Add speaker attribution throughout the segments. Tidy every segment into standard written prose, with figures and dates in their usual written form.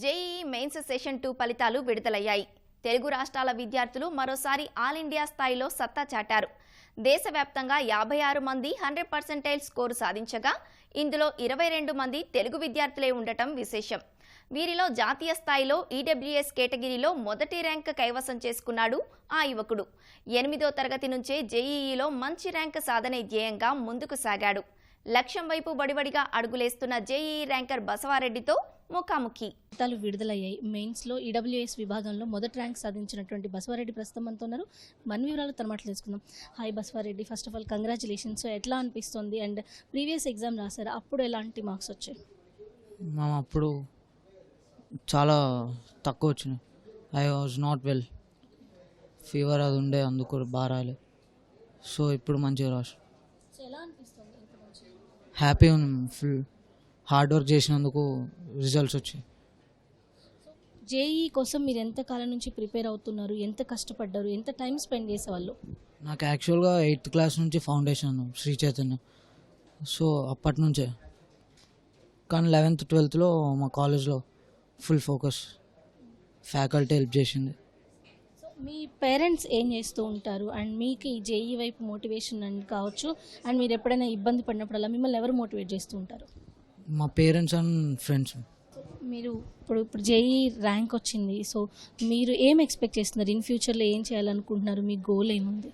Speaker 1: JEE mains session 2 ఫలితాలు విడుదలయ్యాయి. తెలుగు రాష్ట్రాల విద్యార్థులు మరోసారి ఆల్ ఇండియా స్థాయిలో సత్తా చాటారు. దేశవ్యాప్తంగా 56 మంది 100% స్కోరు సాధించగా ఇందులో 22 మంది తెలుగు విద్యార్థులే ఉండటం విశేషం. వీరిలో జాతీయ స్థాయిలో ఈడబ్ల్యూఎస్ కేటగిరీలో మొదటి ర్యాంక్ కైవసం చేసుకున్నాడు ఆ యువకుడు. 8వ తరగతి నుంచే జేఈఈలో మంచి ర్యాంక్ సాధనే ధ్యేయంగా ముందుకు సాగాడు. లక్ష్యం వైపు బడిబడిగా అడుగులేస్తున్న జేఈఈ ర్యాంకర్ బసవారెడ్డితో ముఖాముఖి.
Speaker 2: ఫలితాలు విడుదలయ్యాయి. మెయిన్స్లో ఈడబ్ల్యూఎస్ విభాగంలో మొదటి ర్యాంక్ సాధించినటువంటి బసవారెడ్డి ప్రస్తుతం మనతో ఉన్నారు. మన వివరాలు తన మాటలు తెలుసుకుందాం. Hi Basavareddy, first of all congratulations. ఎట్లా అనిపిస్తుంది అండ్ ప్రీవియస్ ఎగ్జామ్ రాశారు, అప్పుడు ఎలాంటి మార్క్స్ వచ్చాయి?
Speaker 3: అప్పుడు చాలా తక్కువ వచ్చినాయి. I was not well, fever అది ఉండే, అందుకు బాగా రాలే. సో ఇప్పుడు మంచిగా రాసు. హ్యాపీ ఉంది, ఫుల్ హార్డ్ వర్క్ చేసినందుకు రిజల్ట్స్ వచ్చాయి.
Speaker 2: జేఈఈ కోసం మీరు ఎంత కాలం నుంచి ప్రిపేర్ అవుతున్నారు, ఎంత కష్టపడ్డారు, ఎంత టైం స్పెండ్ చేసేవాళ్ళు?
Speaker 3: నాకు యాక్చువల్గా 8th క్లాస్ నుంచి ఫౌండేషన్ శ్రీ చైతన్య, సో అప్పటి నుంచే. కానీ 11th 12thలో మా కాలేజ్లో ఫుల్ ఫోకస్, ఫ్యాకల్టీ హెల్ప్ చేసింది.
Speaker 2: మీ పేరెంట్స్ ఏం చేస్తూ ఉంటారు అండ్ మీకు ఈ జేఈ వైపు మోటివేషన్ అని కావచ్చు, అండ్ మీరు ఎప్పుడైనా ఇబ్బంది పడినప్పుడల్లా మిమ్మల్ని ఎవరు మోటివేట్ చేస్తూ ఉంటారు?
Speaker 3: మా పేరెంట్స్ అండ్ ఫ్రెండ్స్.
Speaker 2: మీరు ఇప్పుడు జేఈ ర్యాంక్ వచ్చింది, సో మీరు ఏం ఎక్స్పెక్ట్ చేస్తున్నారు? ఇన్ ఫ్యూచర్లో ఏం చేయాలనుకుంటున్నారు? మీ గోల్ ఏముంది?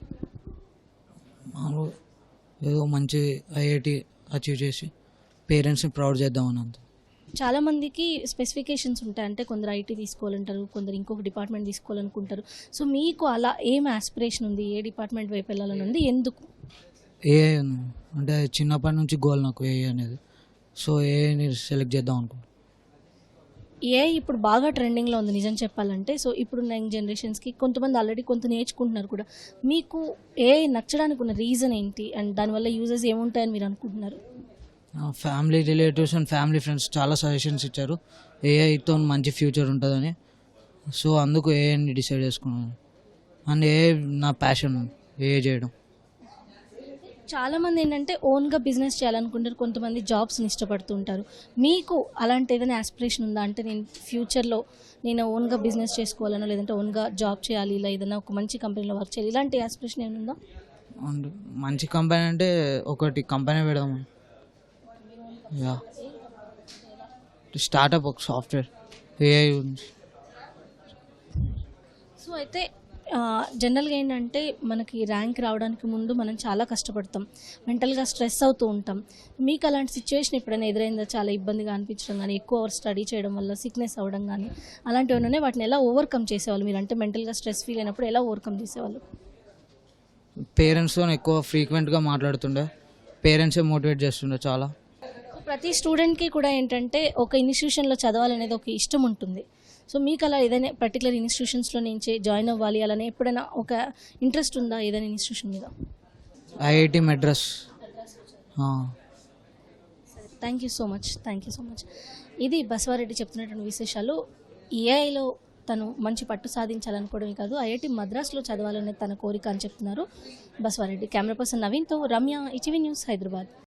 Speaker 3: ఏదో మంచి ఐఐటి అచీవ్ చేసి పేరెంట్స్ని ప్రౌడ్ చేద్దామని అంత.
Speaker 2: చాలామందికి స్పెసిఫికేషన్స్ ఉంటాయి, అంటే కొందరు ఐటీ తీసుకోవాలంటారు, కొందరు ఇంకొక డిపార్ట్మెంట్ తీసుకోవాలనుకుంటారు. సో మీకు అలా ఏం ఆస్పిరేషన్ ఉంది? ఏ డిపార్ట్మెంట్ వైపు వెళ్ళాలని ఉంది? ఎందుకు?
Speaker 3: ఏఐ ఉంది, అంటే చిన్నప్పటి నుంచి గోల్ నాకు ఏఐ అనేది. సో ఏఐని సెలెక్ట్ చేద్దాం అనుకుంటున్నాను.
Speaker 2: ఏఐ ఇప్పుడు బాగా ట్రెండింగ్లో ఉంది నిజం చెప్పాలంటే. సో ఇప్పుడు యంగ్ జనరేషన్స్కి కొంతమంది ఆల్రెడీ కొంత నేర్చుకుంటున్నారు కూడా. మీకు ఏఐ నచ్చడానికి ఉన్న రీజన్ ఏంటి అండ్ దానివల్ల యూజెస్ ఏముంటాయని మీరు అనుకుంటున్నారు?
Speaker 3: Family relatives and family friends చాలా సజెషన్స్ ఇచ్చారు, ఏఐతో మంచి ఫ్యూచర్ ఉంటుందని. సో అందుకు ఏఐని డిసైడ్ చేసుకున్నాను. అండ్ ఏఐ నా ప్యాషన్, ఏఐ చేయడం.
Speaker 2: చాలామంది ఏంటంటే ఓన్గా బిజినెస్ చేయాలనుకుంటారు, కొంతమంది జాబ్స్ని ఇష్టపడుతుంటారు. మీకు అలాంటి ఏదైనా ఆస్పిరేషన్ ఉందా? అంటే నేను ఫ్యూచర్లో నేను ఓన్గా బిజినెస్ చేసుకోవాలనో, లేదంటే ఓన్గా జాబ్ చేయాలి, ఇలా ఏదైనా ఒక మంచి కంపెనీలో వర్క్ చేయాలి, ఇలాంటి ఆస్పిరేషన్ ఏమైనా ఉందా?
Speaker 3: అండ్ మంచి కంపెనీ అంటే ఒకటి కంపెనీ పెడదాము. యా, స్టార్టప్, ఒక సాఫ్ట్వేర్ ఏఐ గురించి.
Speaker 2: సో అయితే జనరల్గా ఏంటంటే మనకి ర్యాంక్ రావడానికి ముందు మనం చాలా కష్టపడతాం, మెంటల్గా స్ట్రెస్ అవుతూ ఉంటాం. మీకు అలాంటి సిచ్యువేషన్ ఎప్పుడైనా ఎదురైందా? చాలా ఇబ్బందిగా అనిపించడం కానీ, ఎక్కువ అవర్ స్టడీ చేయడం వల్ల సిక్నెస్ అవ్వడం కానీ, అలాంటివి ఉన్నాయి, వాటిని ఎలా ఓవర్కమ్ చేసేవాళ్ళు మీరు? అంటే మెంటల్గా స్ట్రెస్ ఫీల్ అయినప్పుడు ఎలా ఓవర్కమ్ చేసేవాళ్ళు?
Speaker 3: పేరెంట్స్తో ఎక్కువ ఫ్రీక్వెంట్గా మాట్లాడుతుండే, పేరెంట్సే మోటివేట్ చేస్తుండే చాలా.
Speaker 2: ప్రతి స్టూడెంట్కి కూడా ఏంటంటే ఒక ఇన్స్టిట్యూషన్లో చదవాలనేది ఒక ఇష్టం ఉంటుంది. సో మీకు అలా ఏదైనా పర్టికులర్ ఇన్స్టిట్యూషన్స్లో నుంచి జాయిన్ అవ్వాలి అలానే ఎప్పుడైనా ఒక ఇంట్రెస్ట్ ఉందా ఏదైనా ఇన్స్టిట్యూషన్ మీద?
Speaker 3: IIT Madras.
Speaker 2: Thank you so much. ఇది బసవారెడ్డి చెప్తున్నటువంటి విశేషాలు. ఏఐలో తను మంచి పట్టు సాధించాలనుకోవడమే కాదు, ఐఐటి మద్రాస్లో చదవాలనేది తన కోరిక అని చెప్తున్నారు బసవారెడ్డి. కెమెరా పర్సన్ నవీన్తో రమ్య, ఈటీవీ న్యూస్, హైదరాబాద్.